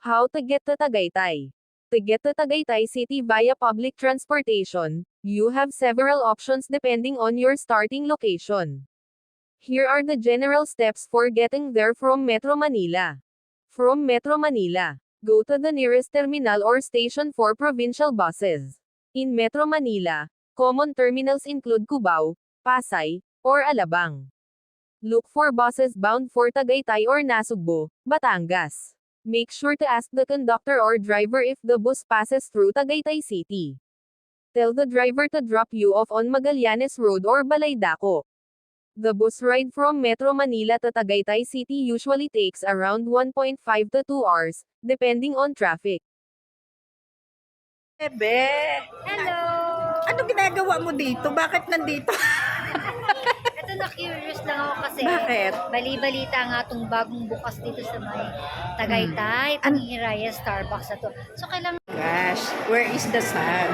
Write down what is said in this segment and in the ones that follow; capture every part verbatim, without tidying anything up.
How to get to Tagaytay. To get to Tagaytay City via public transportation, you have several options depending on your starting location. Here are the general steps for getting there from Metro Manila. From Metro Manila, go to the nearest terminal or station for provincial buses. In Metro Manila, common terminals include Cubao, Pasay, or Alabang. Look for buses bound for Tagaytay or Nasugbu, Batangas. Make sure to ask the conductor or driver if the bus passes through Tagaytay City. Tell the driver to drop you off on Magallanes Road or Balaydaco. The bus ride from Metro Manila to Tagaytay City usually takes around one point five to two hours, depending on traffic. Bebe, Hello! ano ginagawa mo dito? Bakit nandito? Ito na-curious lang ako kasi Bakit? bali-balita nga itong bagong bukas dito sa may Tagaytay, Hmm. itong Hiraya Starbucks na to. So kailangan Gosh, where is the sun?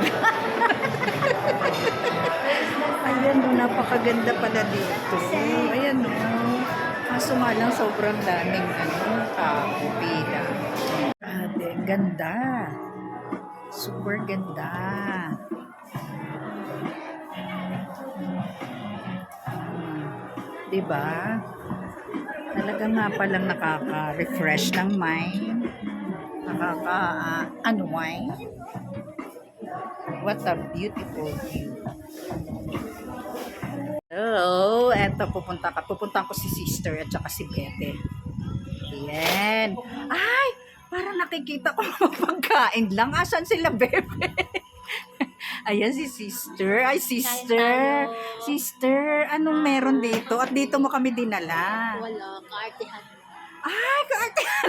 Ayan o, napakaganda pala dito. Ayan o. Kaso nga lang sobrang daming ano, tao, pila. Ate, ganda. Super ganda. Diba? Talaga nga palang nakaka-refresh ng mind. Nakaka-unwind. What a beautiful view. Hello, eto pupunta ka. Pupunta ko si sister at saka si Bete. Ayan. Ay, parang nakikita ko mga pagkain lang. Asan sila, Bebe? Ayan si sister. Ay, sister. Sister, anong meron dito? At dito mo kami dinala. wala, kaartihan. Ay, kaartihan.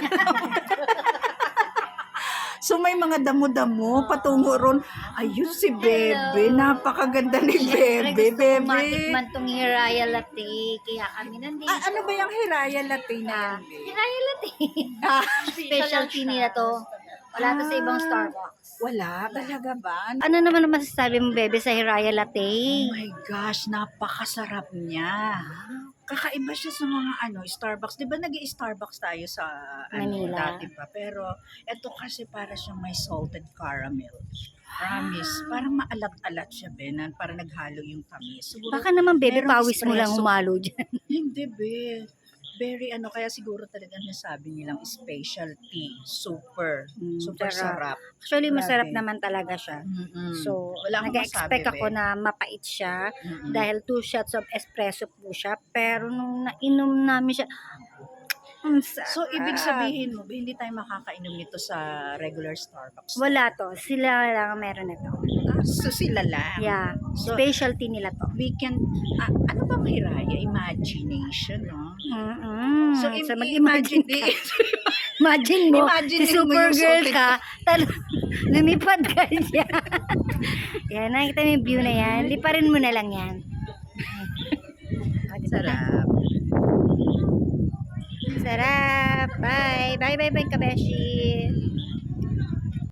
So may mga damo-damo patungo ron. Ayun si Bebe. Napakaganda ni Bebe. Bebe. Matikman tong Hiraya Latte, kaya kami nandito. Ah, ano ba yung Hiraya Latte na yan? Bebe? Hiraya Latte. Ah, Specialty nila to. Wala to sa ibang Starbucks. wala. Talaga ba? Ano naman ang masasabi mo, bebe, sa Hiraya Latte? Oh my gosh, napakasarap niya. Kakaiba siya sa mga ano, Starbucks. Di ba nag-i-Starbucks tayo sa ano, Manila. dati pa? Pero ito kasi para siyang may salted caramel. Promise. Parang maalat-alat siya, Benan. Parang naghalo yung tamis. Siguro, Baka naman, bebe, merong pawis mo lang espresso. humalo dyan. Hindi, be. Very ano, kaya siguro talaga nasabi nilang specialty. Super. Mm, super sarap. sarap. Actually, masarap Grabe. naman talaga siya. Mm-mm. So, Wala akong nag-expect masabi, ako be. na mapait siya Mm-mm. dahil two shots of espresso po siya. Pero nung nainom namin siya, ang sarap. So, ibig sabihin mo, ba, hindi tayo makakainom nito sa regular Starbucks? Wala to. Sila lang ang meron nito. Ah, so, sila lang. Yeah. So, Specialty nila to. we can, ah, ano ba mahiraya? Imagination, no? Mm-mm. So, So, im- mag-imagine imagine, ka. Imagine mo, Imagine si mo yung Supergirl salted- ka, tal- lumipad ka niya. Yan, nakita mo yung view na yan. Liparin mo na lang yan. Ah, di ba na? sarap. Sarap. Bye. Bye, bye, bye, kabeshi.